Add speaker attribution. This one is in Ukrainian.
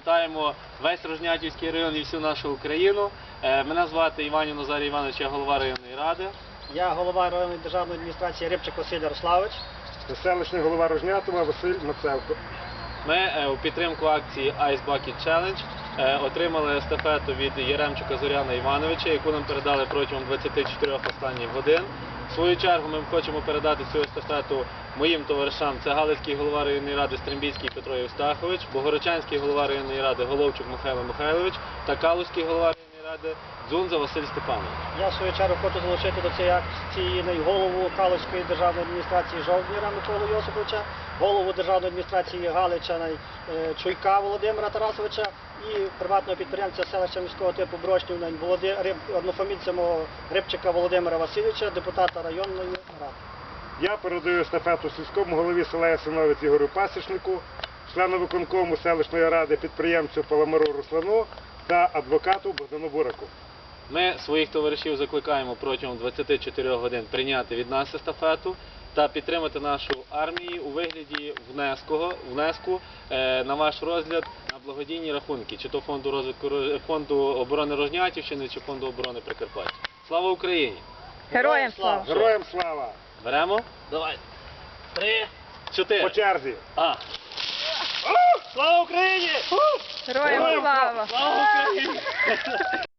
Speaker 1: Вітаємо весь Рожнятівський район і всю нашу Україну. Мене звати Іванів Назарій Іванович, я голова районної ради.
Speaker 2: Я голова районної державної адміністрації Рибчик Василь Ярославович.
Speaker 3: Селищний голова Рожнятова Василь Мацевко.
Speaker 1: Ми у підтримку акції Ice Bucket Challenge отримали естафету від Яремчука Зоряна Івановича, яку нам передали протягом 24 останніх годин. В свою чергу ми хочемо передати цю естафету моїм товаришам. Це Галицький голова районної ради Стримбійський Петро Євстахович, Богородчанський голова районної ради Головчук Михайло Михайлович та Калузький голова районної ради Дзунза Василь Степанович.
Speaker 2: Я в свою чергу хочу залучити до цієї акції голову Калузької державної адміністрації Жовтніра Миколу Йосиповича, голову державної адміністрації Галича Чуйка Володимира Тарасовича і приватного підприємця селища міського типу Брошнів однофамільця мого Рибчика Володимира Васильовича, депутата районної ради.
Speaker 3: Я передаю естафету сільському голові села Ясиновець Ігорю Пасічнику, члену виконкому селищної ради підприємцю Паламару Руслану та адвокату Богдану Бураку.
Speaker 1: Ми своїх товаришів закликаємо протягом 24 годин прийняти від нас естафету та підтримати нашу армію у вигляді внеску на ваш розгляд на благодійні рахунки, чи то фонду оборони Рожнятівщини, чи фонду оборони Прикарпаття. Слава Україні!
Speaker 4: Героям слава!
Speaker 3: Героям слава!
Speaker 1: Беремо? Давай. 3, 4.
Speaker 3: По черзі!
Speaker 1: Слава Україні!
Speaker 4: Героям слава!
Speaker 1: Слава Україні!